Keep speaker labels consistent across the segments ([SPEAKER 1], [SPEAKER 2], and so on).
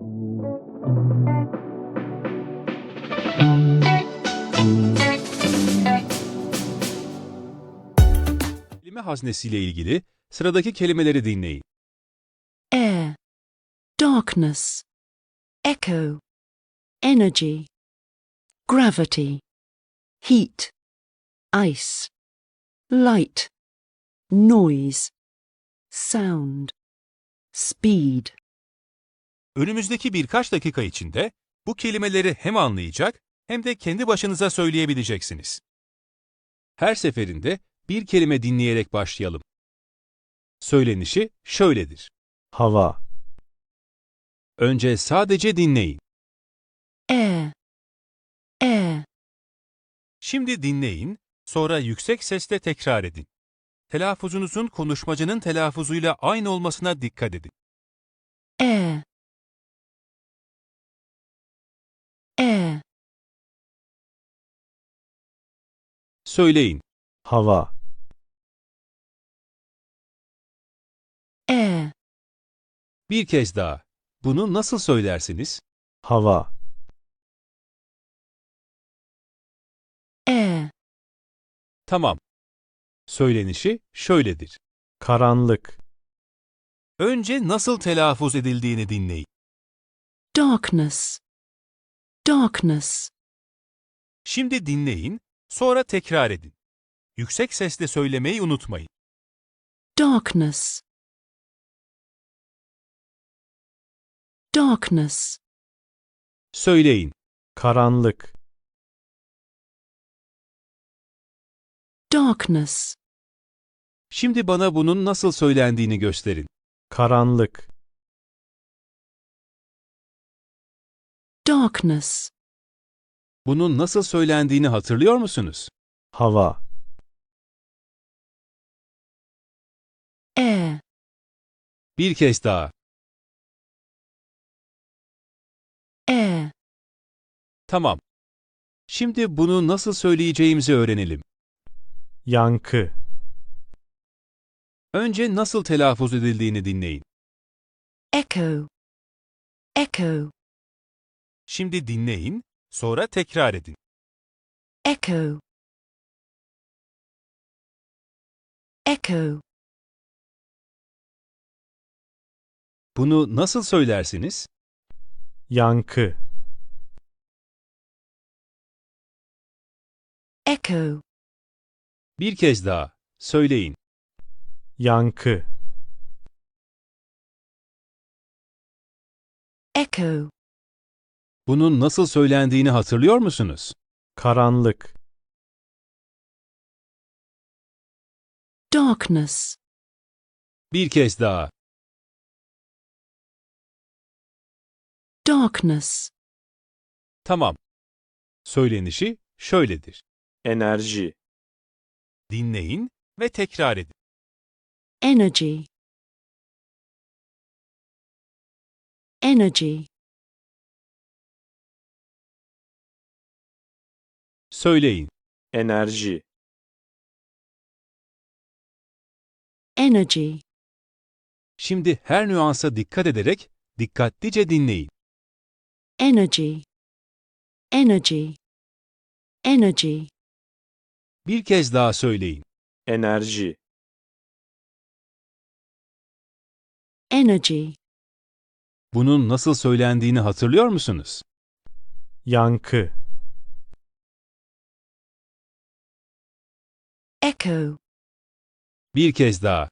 [SPEAKER 1] Kelime haznesiyle ilgili sıradaki kelimeleri dinleyin.
[SPEAKER 2] Air, darkness, echo, energy, gravity, heat, ice, light, noise, sound, speed.
[SPEAKER 1] Önümüzdeki birkaç dakika içinde bu kelimeleri hem anlayacak hem de kendi başınıza söyleyebileceksiniz. Her seferinde bir kelime dinleyerek başlayalım. Söylenişi şöyledir.
[SPEAKER 3] hava,
[SPEAKER 1] Önce sadece dinleyin.
[SPEAKER 2] Air, air,
[SPEAKER 1] Şimdi dinleyin, sonra yüksek sesle tekrar edin. Telaffuzunuzun konuşmacının telaffuzuyla aynı olmasına dikkat edin.
[SPEAKER 2] air, air,
[SPEAKER 1] Söyleyin.
[SPEAKER 3] hava,
[SPEAKER 2] air,
[SPEAKER 1] Bir kez daha. Bunu nasıl söylersiniz?
[SPEAKER 3] hava,
[SPEAKER 2] air,
[SPEAKER 1] Tamam. Söylenişi şöyledir.
[SPEAKER 3] karanlık,
[SPEAKER 1] Önce nasıl telaffuz edildiğini dinleyin.
[SPEAKER 2] darkness, darkness,
[SPEAKER 1] Şimdi dinleyin, sonra tekrar edin. Yüksek sesle söylemeyi unutmayın.
[SPEAKER 2] darkness, darkness,
[SPEAKER 1] Söyleyin.
[SPEAKER 3] karanlık,
[SPEAKER 2] darkness,
[SPEAKER 1] Şimdi bana bunun nasıl söylendiğini gösterin.
[SPEAKER 3] karanlık,
[SPEAKER 2] darkness,
[SPEAKER 1] Bunun nasıl söylendiğini hatırlıyor musunuz?
[SPEAKER 3] hava,
[SPEAKER 2] air,
[SPEAKER 1] Bir kez daha.
[SPEAKER 2] air,
[SPEAKER 1] Tamam. Şimdi bunu nasıl söyleyeceğimizi öğrenelim.
[SPEAKER 3] yankı,
[SPEAKER 1] Önce nasıl telaffuz edildiğini dinleyin.
[SPEAKER 2] echo, echo,
[SPEAKER 1] Şimdi dinleyin, sonra tekrar edin.
[SPEAKER 2] echo, echo,
[SPEAKER 1] Bunu nasıl söylersiniz?
[SPEAKER 3] yankı,
[SPEAKER 2] echo,
[SPEAKER 1] Bir kez daha. Söyleyin.
[SPEAKER 3] yankı,
[SPEAKER 2] echo,
[SPEAKER 1] Bunun nasıl söylendiğini hatırlıyor musunuz?
[SPEAKER 3] karanlık,
[SPEAKER 2] darkness,
[SPEAKER 1] Bir kez daha.
[SPEAKER 2] darkness,
[SPEAKER 1] Tamam. Söylenişi şöyledir.
[SPEAKER 3] enerji,
[SPEAKER 1] Dinleyin ve tekrar edin.
[SPEAKER 2] energy, energy,
[SPEAKER 1] Söyleyin.
[SPEAKER 3] enerji,
[SPEAKER 2] energy,
[SPEAKER 1] Şimdi her nüansa dikkat ederek dikkatlice dinleyin.
[SPEAKER 2] energy, energy, energy,
[SPEAKER 1] Bir kez daha söyleyin.
[SPEAKER 3] enerji,
[SPEAKER 2] energy,
[SPEAKER 1] Bunun nasıl söylendiğini hatırlıyor musunuz?
[SPEAKER 3] yankı,
[SPEAKER 2] echo,
[SPEAKER 1] Bir kez daha.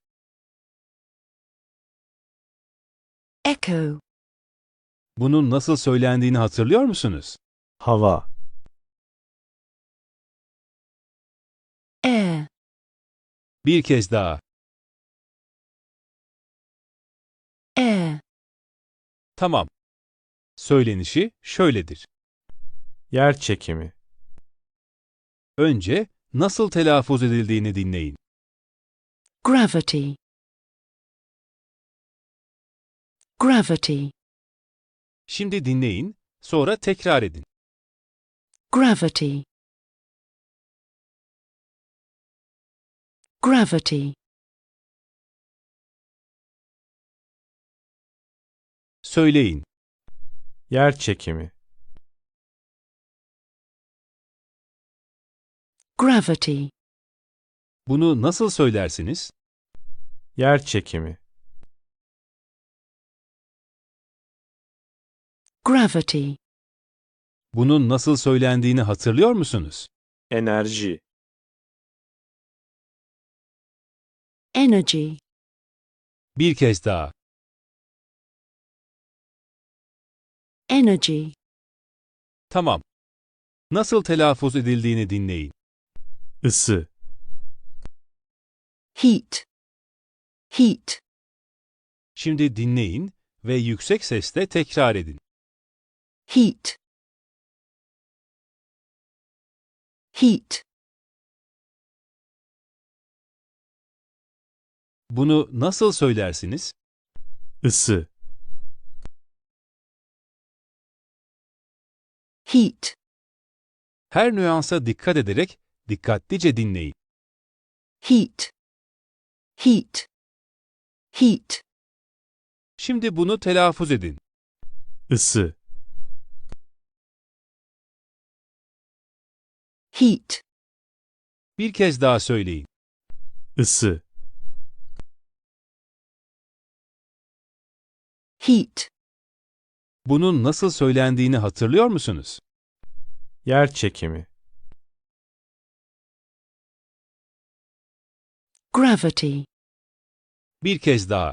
[SPEAKER 2] echo,
[SPEAKER 1] Bunun nasıl söylendiğini hatırlıyor musunuz?
[SPEAKER 3] hava,
[SPEAKER 2] air,
[SPEAKER 1] Bir kez daha.
[SPEAKER 2] air,
[SPEAKER 1] Tamam. Söylenişi şöyledir.
[SPEAKER 3] yer çekimi,
[SPEAKER 1] Önce nasıl telaffuz edildiğini dinleyin.
[SPEAKER 2] gravity, gravity,
[SPEAKER 1] Şimdi dinleyin, sonra tekrar edin.
[SPEAKER 2] gravity, gravity,
[SPEAKER 1] Söyleyin.
[SPEAKER 3] Yer çekimi.
[SPEAKER 2] Gravity.
[SPEAKER 1] Bunu nasıl söylersiniz?
[SPEAKER 3] Yer çekimi.
[SPEAKER 2] Gravity.
[SPEAKER 1] Bunun nasıl söylendiğini hatırlıyor musunuz?
[SPEAKER 3] Enerji.
[SPEAKER 2] Energy.
[SPEAKER 1] Bir kez daha.
[SPEAKER 2] Energy.
[SPEAKER 1] Tamam. Nasıl telaffuz edildiğini dinleyin.
[SPEAKER 3] Isı.
[SPEAKER 2] Heat. Heat.
[SPEAKER 1] Şimdi dinleyin ve yüksek sesle tekrar edin.
[SPEAKER 2] Heat. Heat.
[SPEAKER 1] Bunu nasıl söylersiniz?
[SPEAKER 3] Isı.
[SPEAKER 2] Heat.
[SPEAKER 1] Her nüansa dikkat ederek dikkatlice dinleyin.
[SPEAKER 2] Heat. Heat. Heat.
[SPEAKER 1] Şimdi bunu telaffuz edin.
[SPEAKER 3] Isı.
[SPEAKER 2] Heat.
[SPEAKER 1] Bir kez daha söyleyin.
[SPEAKER 3] Isı.
[SPEAKER 2] Heat.
[SPEAKER 1] Bunun nasıl söylendiğini hatırlıyor musunuz?
[SPEAKER 3] Yer çekimi.
[SPEAKER 2] Gravity.
[SPEAKER 1] Bir kez daha.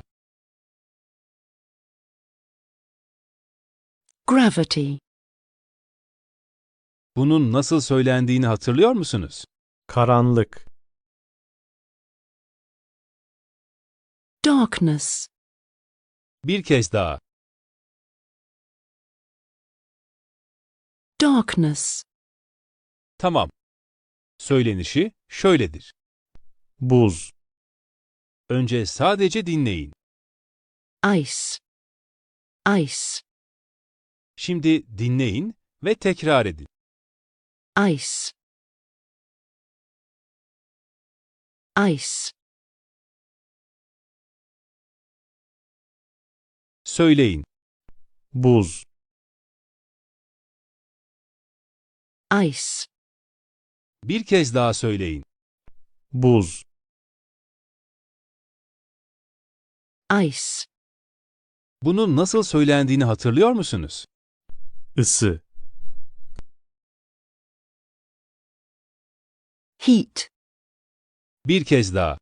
[SPEAKER 2] Gravity.
[SPEAKER 1] Bunun nasıl söylendiğini hatırlıyor musunuz?
[SPEAKER 3] Karanlık.
[SPEAKER 2] Darkness.
[SPEAKER 1] Bir kez daha.
[SPEAKER 2] Darkness.
[SPEAKER 1] Tamam. Söylenişi şöyledir.
[SPEAKER 3] Buz.
[SPEAKER 1] Önce sadece dinleyin.
[SPEAKER 2] Ice. Ice.
[SPEAKER 1] Şimdi dinleyin ve tekrar edin.
[SPEAKER 2] Ice. Ice.
[SPEAKER 1] Söyleyin.
[SPEAKER 3] Buz.
[SPEAKER 2] Ice.
[SPEAKER 1] Bir kez daha söyleyin.
[SPEAKER 3] Buz.
[SPEAKER 2] Ice.
[SPEAKER 1] Bunun nasıl söylendiğini hatırlıyor musunuz?
[SPEAKER 3] Isı.
[SPEAKER 2] Heat.
[SPEAKER 1] Bir kez daha.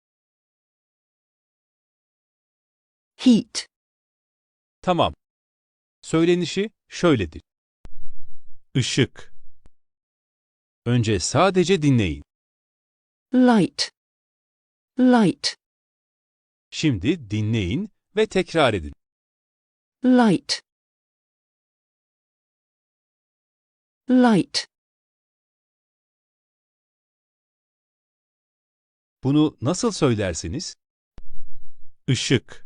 [SPEAKER 2] Heat.
[SPEAKER 1] Tamam. Söylenişi şöyledir.
[SPEAKER 3] Işık.
[SPEAKER 1] Önce sadece dinleyin.
[SPEAKER 2] Light. Light.
[SPEAKER 1] Şimdi dinleyin ve tekrar edin.
[SPEAKER 2] Light. Light.
[SPEAKER 1] Bunu nasıl söylersiniz?
[SPEAKER 3] Işık.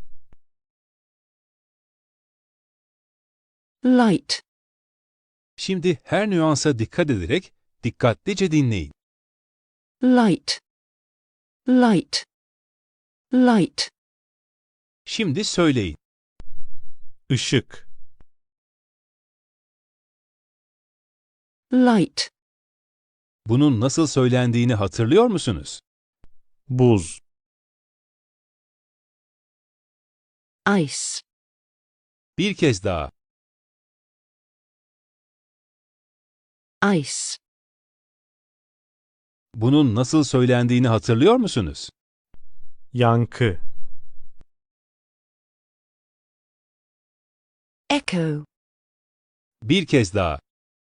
[SPEAKER 2] Light.
[SPEAKER 1] Şimdi her nüansa dikkat ederek dikkatlice dinleyin.
[SPEAKER 2] Light. Light. Light.
[SPEAKER 1] Şimdi söyleyin.
[SPEAKER 3] Işık.
[SPEAKER 2] Light.
[SPEAKER 1] Bunun nasıl söylendiğini hatırlıyor musunuz?
[SPEAKER 3] Buz.
[SPEAKER 2] Ice.
[SPEAKER 1] Bir kez daha.
[SPEAKER 2] Ice.
[SPEAKER 1] Bunun nasıl söylendiğini hatırlıyor musunuz?
[SPEAKER 3] Yankı.
[SPEAKER 2] Echo.
[SPEAKER 1] Bir kez daha.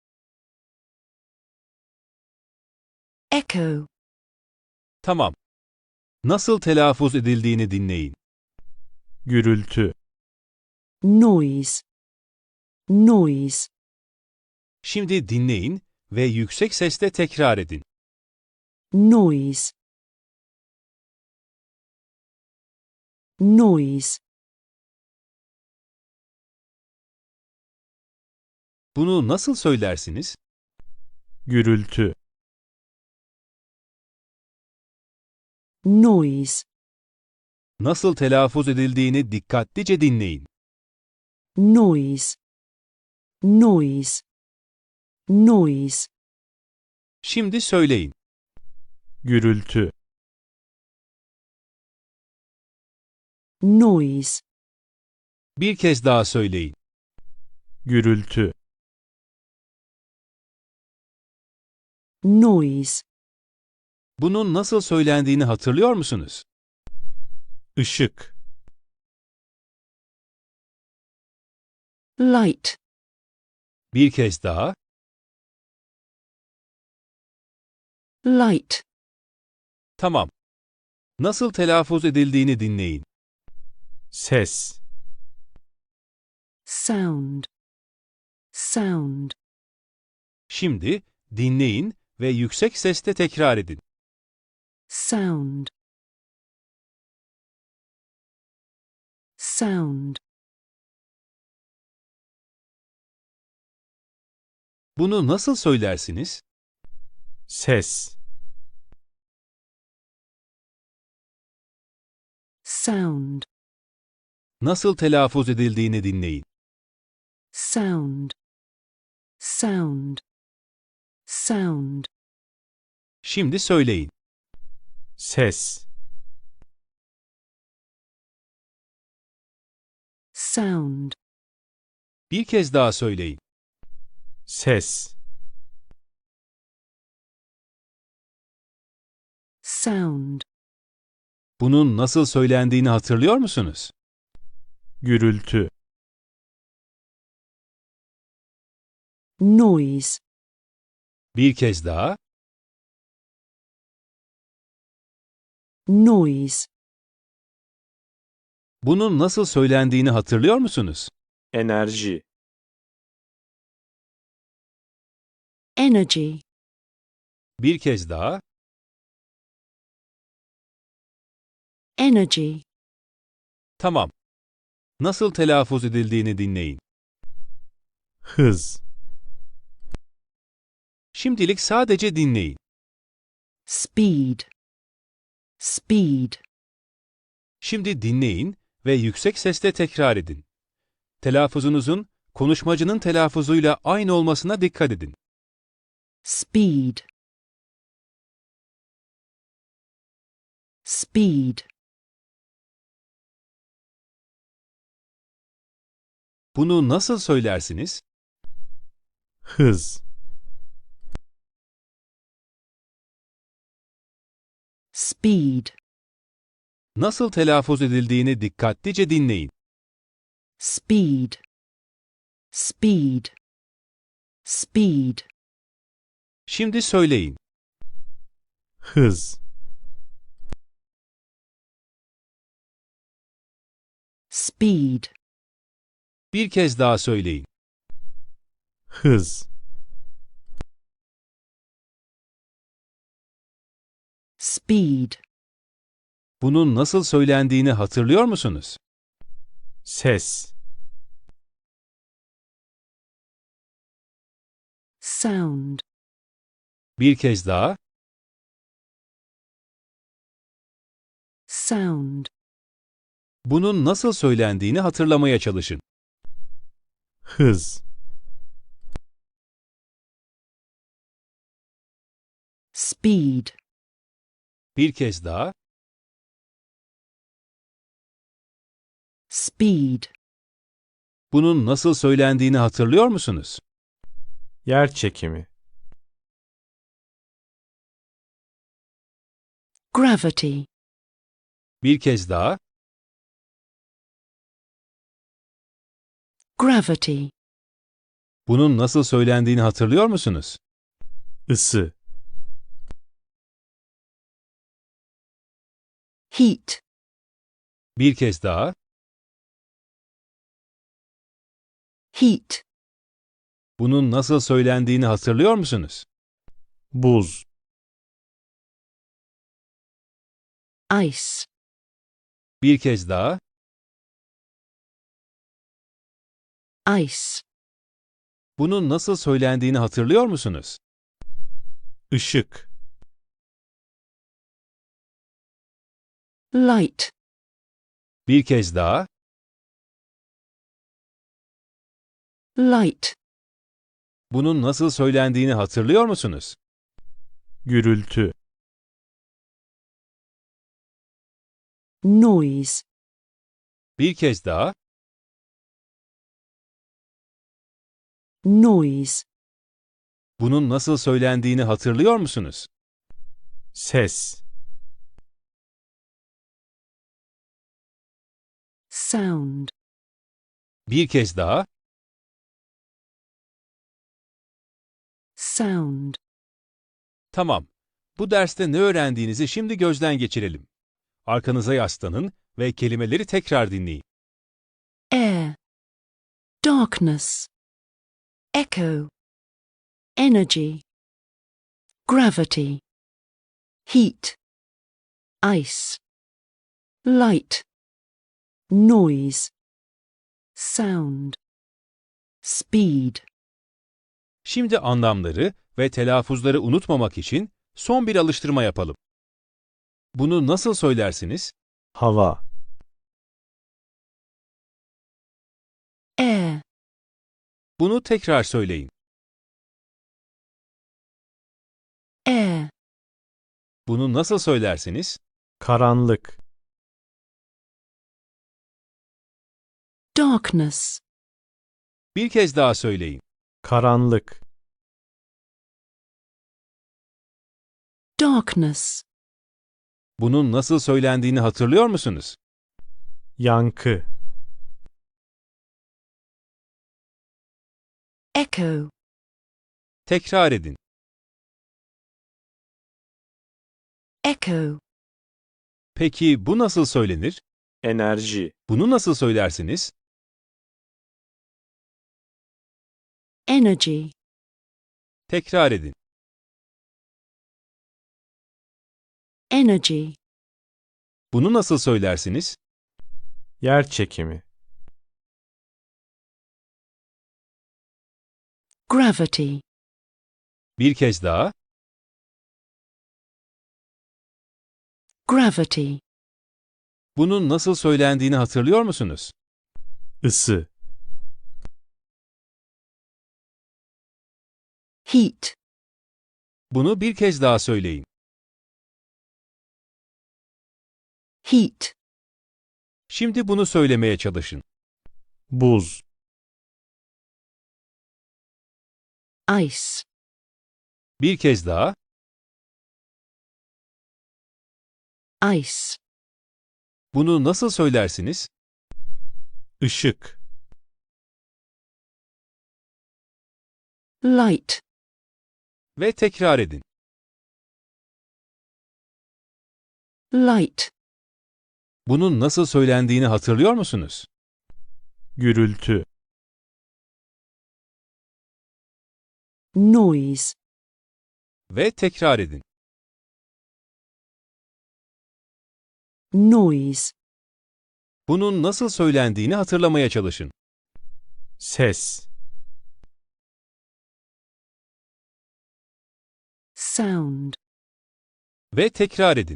[SPEAKER 2] Echo.
[SPEAKER 1] Tamam. Nasıl telaffuz edildiğini dinleyin.
[SPEAKER 3] Gürültü.
[SPEAKER 2] Noise. Noise.
[SPEAKER 1] Şimdi dinleyin ve yüksek sesle tekrar edin.
[SPEAKER 2] Noise. Noise.
[SPEAKER 1] Bunu nasıl söylersiniz?
[SPEAKER 3] Gürültü.
[SPEAKER 2] Noise.
[SPEAKER 1] Nasıl telaffuz edildiğini dikkatlice dinleyin.
[SPEAKER 2] Noise. noise, noise,
[SPEAKER 1] Şimdi söyleyin.
[SPEAKER 3] gürültü,
[SPEAKER 2] noise,
[SPEAKER 1] Bir kez daha söyleyin.
[SPEAKER 3] gürültü,
[SPEAKER 2] noise,
[SPEAKER 1] Bunun nasıl söylendiğini hatırlıyor musunuz?
[SPEAKER 3] ışık,
[SPEAKER 2] light,
[SPEAKER 1] Bir kez daha.
[SPEAKER 2] light,
[SPEAKER 1] Tamam. Nasıl telaffuz edildiğini dinleyin.
[SPEAKER 3] ses,
[SPEAKER 2] sound, sound,
[SPEAKER 1] Şimdi dinleyin ve yüksek sesle tekrar edin.
[SPEAKER 2] sound, sound,
[SPEAKER 1] Bunu nasıl söylersiniz?
[SPEAKER 3] ses,
[SPEAKER 2] sound,
[SPEAKER 1] Nasıl telaffuz edildiğini dinleyin.
[SPEAKER 2] sound, sound, sound,
[SPEAKER 1] Şimdi söyleyin.
[SPEAKER 3] ses,
[SPEAKER 2] sound,
[SPEAKER 1] Bir kez daha söyleyin.
[SPEAKER 3] ses,
[SPEAKER 2] sound,
[SPEAKER 1] Bunun nasıl söylendiğini hatırlıyor musunuz?
[SPEAKER 3] gürültü,
[SPEAKER 2] noise,
[SPEAKER 1] Bir kez daha.
[SPEAKER 2] noise,
[SPEAKER 1] Bunun nasıl söylendiğini hatırlıyor musunuz?
[SPEAKER 3] enerji,
[SPEAKER 2] energy,
[SPEAKER 1] Bir kez daha.
[SPEAKER 2] energy,
[SPEAKER 1] Tamam. Nasıl telaffuz edildiğini dinleyin.
[SPEAKER 3] hız,
[SPEAKER 1] Şimdilik sadece dinleyin.
[SPEAKER 2] speed, speed,
[SPEAKER 1] Şimdi dinleyin ve yüksek sesle tekrar edin. Telaffuzunuzun konuşmacının telaffuzuyla aynı olmasına dikkat edin.
[SPEAKER 2] speed, speed,
[SPEAKER 1] Bunu nasıl söylersiniz?
[SPEAKER 3] hız,
[SPEAKER 2] speed,
[SPEAKER 1] Nasıl telaffuz edildiğini dikkatlice dinleyin.
[SPEAKER 2] speed, speed, speed,
[SPEAKER 1] Şimdi söyleyin.
[SPEAKER 3] hız,
[SPEAKER 2] speed,
[SPEAKER 1] Bir kez daha söyleyin.
[SPEAKER 3] hız,
[SPEAKER 2] speed,
[SPEAKER 1] Bunun nasıl söylendiğini hatırlıyor musunuz?
[SPEAKER 3] ses,
[SPEAKER 2] sound,
[SPEAKER 1] Bir kez daha.
[SPEAKER 2] sound,
[SPEAKER 1] Bunun nasıl söylendiğini hatırlamaya çalışın.
[SPEAKER 3] hız,
[SPEAKER 2] speed,
[SPEAKER 1] Bir kez daha.
[SPEAKER 2] speed,
[SPEAKER 1] Bunun nasıl söylendiğini hatırlıyor musunuz?
[SPEAKER 3] yer çekimi,
[SPEAKER 2] gravity,
[SPEAKER 1] Bir kez daha.
[SPEAKER 2] gravity,
[SPEAKER 1] Bunun nasıl söylendiğini hatırlıyor musunuz?
[SPEAKER 3] ısı,
[SPEAKER 2] heat,
[SPEAKER 1] Bir kez daha.
[SPEAKER 2] heat,
[SPEAKER 1] Bunun nasıl söylendiğini hatırlıyor musunuz?
[SPEAKER 3] buz,
[SPEAKER 2] ice,
[SPEAKER 1] Bir kez daha.
[SPEAKER 2] ice,
[SPEAKER 1] Bunun nasıl söylendiğini hatırlıyor musunuz?
[SPEAKER 3] ışık,
[SPEAKER 2] light,
[SPEAKER 1] Bir kez daha.
[SPEAKER 2] light,
[SPEAKER 1] Bunun nasıl söylendiğini hatırlıyor musunuz?
[SPEAKER 3] Gürültü.
[SPEAKER 2] Noise.
[SPEAKER 1] Bir kez daha.
[SPEAKER 2] Noise.
[SPEAKER 1] Bunun nasıl söylendiğini hatırlıyor musunuz?
[SPEAKER 3] Ses.
[SPEAKER 2] Sound.
[SPEAKER 1] Bir kez daha.
[SPEAKER 2] Sound.
[SPEAKER 1] Tamam. Bu derste ne öğrendiğinizi şimdi gözden geçirelim. Arkanıza yaslanın ve kelimeleri tekrar dinleyin.
[SPEAKER 2] Air. Darkness. Echo. Energy. Gravity. Heat. Ice. Light. Noise. Sound. Speed.
[SPEAKER 1] Şimdi anlamları ve telaffuzları unutmamak için son bir alıştırma yapalım. Bunu nasıl söylersiniz?
[SPEAKER 3] Hava.
[SPEAKER 2] Air.
[SPEAKER 1] Bunu tekrar söyleyin.
[SPEAKER 2] Air.
[SPEAKER 1] Bunu nasıl söylersiniz?
[SPEAKER 3] Karanlık.
[SPEAKER 2] Darkness.
[SPEAKER 1] Bir kez daha söyleyin.
[SPEAKER 3] Karanlık.
[SPEAKER 2] Darkness.
[SPEAKER 1] Bunun nasıl söylendiğini hatırlıyor musunuz?
[SPEAKER 3] Yankı.
[SPEAKER 2] Echo.
[SPEAKER 1] Tekrar edin.
[SPEAKER 2] Echo.
[SPEAKER 1] Peki bu nasıl söylenir?
[SPEAKER 3] Enerji.
[SPEAKER 1] Bunu nasıl söylersiniz?
[SPEAKER 2] Energy.
[SPEAKER 1] Tekrar edin.
[SPEAKER 2] Energy.
[SPEAKER 1] Bunu nasıl söylersiniz?
[SPEAKER 3] Yer çekimi.
[SPEAKER 2] Gravity.
[SPEAKER 1] Bir kez daha.
[SPEAKER 2] Gravity.
[SPEAKER 1] Bunun nasıl söylendiğini hatırlıyor musunuz?
[SPEAKER 3] Isı.
[SPEAKER 2] Heat.
[SPEAKER 1] Bunu bir kez daha söyleyin.
[SPEAKER 2] Heat.
[SPEAKER 1] Şimdi bunu söylemeye çalışın.
[SPEAKER 3] Buz.
[SPEAKER 2] Ice.
[SPEAKER 1] Bir kez daha.
[SPEAKER 2] Ice.
[SPEAKER 1] Bunu nasıl söylersiniz?
[SPEAKER 3] Işık.
[SPEAKER 2] Light.
[SPEAKER 1] Ve tekrar edin.
[SPEAKER 2] Light.
[SPEAKER 1] Bunun nasıl söylendiğini hatırlıyor musunuz?
[SPEAKER 3] Gürültü.
[SPEAKER 2] Noise.
[SPEAKER 1] Ve tekrar edin.
[SPEAKER 2] Noise.
[SPEAKER 1] Bunun nasıl söylendiğini hatırlamaya çalışın.
[SPEAKER 3] Ses.
[SPEAKER 2] Sound.
[SPEAKER 1] Ve tekrar edin.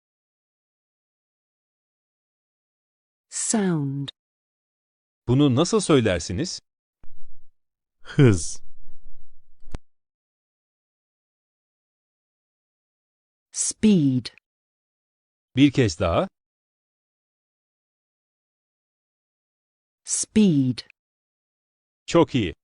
[SPEAKER 2] Sound.
[SPEAKER 1] Bunu nasıl söylersiniz?
[SPEAKER 3] Hız.
[SPEAKER 2] Speed.
[SPEAKER 1] Bir kez daha.
[SPEAKER 2] Speed.
[SPEAKER 1] Çok iyi.